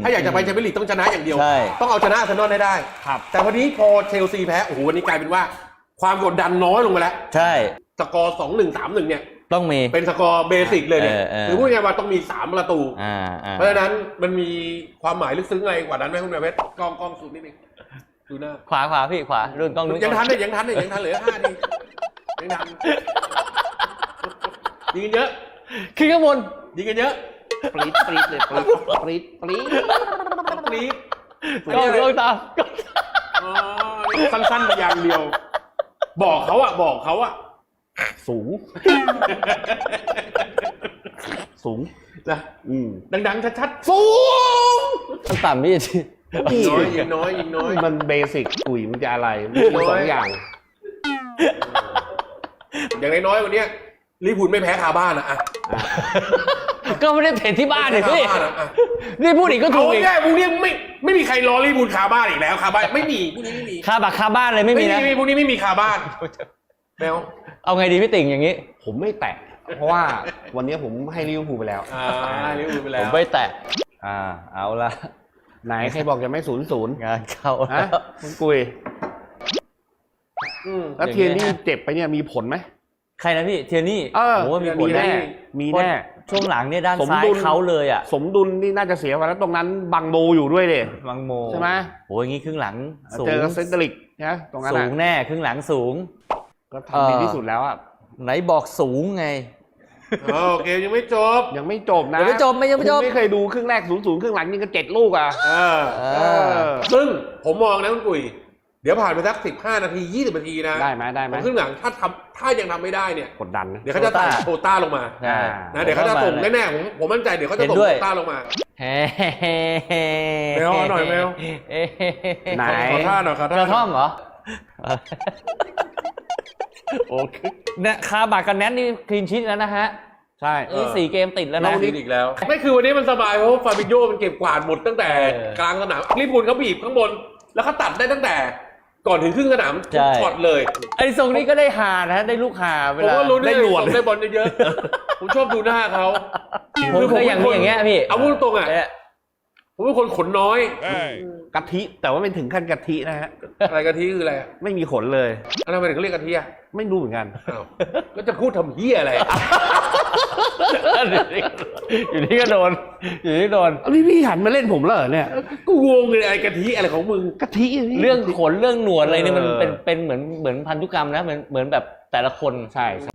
ถ้าอยากจะไปแชมเปี้ยนลีกต้องชนะอย่างเดียวใช่ต้องเอาชนะอาร์เซนอลได้ครับแต่วันนี้พอเชลซีแพ้โอ้โหวันนี้กลายเป็นว่าความกดดันน้อยลงไปแล้วใช่สกอร์ 2-1 3-1 เนี่ยต้องมีเป็นสกอร์เบสิกเลยเนี่ย คือพูดง่ายๆว่าต้องมี3ประตู เพราะฉะนั้นมันมีความหมายลึกซึ้งอะไรกว่านั้นไหมคุณแม่เพชรกล้องสูงนิดนึงดูหน้าขวาพี่ขวารุ่นกล้องนู้นยังทันเลยยังทันเหลือ5 นาทียังทันยิงกันเยอะขึ้นข้างบนยิงกันเยอะปรี๊ดเลยปรี๊ดปรี๊ดกล้องตามอ๋อสั้นๆไปอย่างเดียว บอกเขาอะสูงนะดังๆชัดๆสูงต่ำพี่ยิงน้อยมันเบสิกกุ๋ยมันจะอะไรมี2 อย่างอย่างน้อยๆวันนี้ลิเวอร์พูลไม่แพ้คาบ้านอะก็ไม่ได้เตะที่บ้านเลยพี่คาบ้านอะนี่พูดอีกก็ถูเอากอีกแค่พวกนี้ไม่มีใครรอลิเวอร์พูลคาบ้านอีกแล้วคาบ้านไม่มีพวกนี้ไม่มีคาบักคาบ้านเลยไม่มีนะพวกนี้ไม่มีคาบ้านแมวเอาไงดีพี่ติ่งอย่างนี้ผมไม่แตะเพราะว่าวันนี้ผมให้ลิเวอร์พูลไปแล้วลิเวอร์พูลไปผแล้วมไม่แตะเอาละไหนใครบอกจะไม่0-0 งานเข้าฮะคุณกุยแล้วเทียนี่เจ็บไปเนี่ยมีผลไหมใครนะพี่เทียนี่โอ้โหมีผลแน่มีแน่ช่วงหลังเนี่ยด้านซ้ายเขาเลยอ่ะสมดุลนี่น่าจะเสียไปแล้วตรงนั้นบังโมอยู่ด้วยเลยบังโมใช่ไหมโหอย่างงี้ครึ่งหลังสูงเจอเซนเตอริกนะตรงนั้นสูงแน่ครึ่งหลังสูงก็ทำดีที่สุดแล้วอ่ะไหนบอกสูงไงโอเคยังไม่จบยังไม่จบนะยังไม่จบยังไม่จบคุณไม่เคยดูครึ่งแรก0-0ครึ่งหลังยิงกัน7 ลูกอ่ะซึ่งผมมองนะคุณกุยเดี๋ยวผ่านไปสัก15 นาที20 นาทีนะได้ไหมครึ่งหลังถ้ายังทำไม่ได้เนี่ยกดดันนะเดี๋ยวเขาจะตัดโควต้าลงมาใช่นะเดี๋ยวเขาจะส่งแน่ๆผมมั่นใจเดี๋ยวเขาจะส่งโควต้าลงมา แมวหน่อยแมวไหนขอท่าหน่อยขอท่ากระท่อมเหรอโอเคเนี่ยคาบากกับแนทนี่คลีนชีทแล้วนะฮะใช่นี่4 เกมติดแล้วเรานะอีกแล้วไม่คือวันนี้มันสบายเพราะฟาบิโยมันเก็บกวาดหมดตั้งแต่กลางสนามลิเวอร์พูลเขาบีบข้างบนแล้วเขาตัดได้ตั้งแต่ก่อนถึงครึ่งสนามทุกช็อตเลยไอ้ทรงนี้ก็ได้หานะได้ลูกหาเวผมลาก็รู้ได้หนวดได้บอลเยอะๆผมชอบดูหน้าเขาผมเคยอย่างนี้อย่างเงี้ยพี่เอาพูดตรงๆอ่ะผมเป็นคนขนน้อยกะทิแต่ว่าไม่ถึงขั้นกะทินะฮะอะไรกะทิคืออะไรไม่มีขนเลยทำไมถึงเขาเรียกกะทิอ่ะไม่รู้เหมือนกันอ้าวแล้วจะพูดทำเหี้ยอะไรอยู่นี่ก็โดนอยู่นี่โดนเอาพี่หันมาเล่นผมแล้วเหรอเนี่ยกูงงเลยไอ้กะทิอะไรของมึงกะทิะพี่เรื่องขนเรื่องหนวดอะไรนี่มันเป็นเหมือนพันธุกรรมนะเหมือนแบบแต่ละคนใช่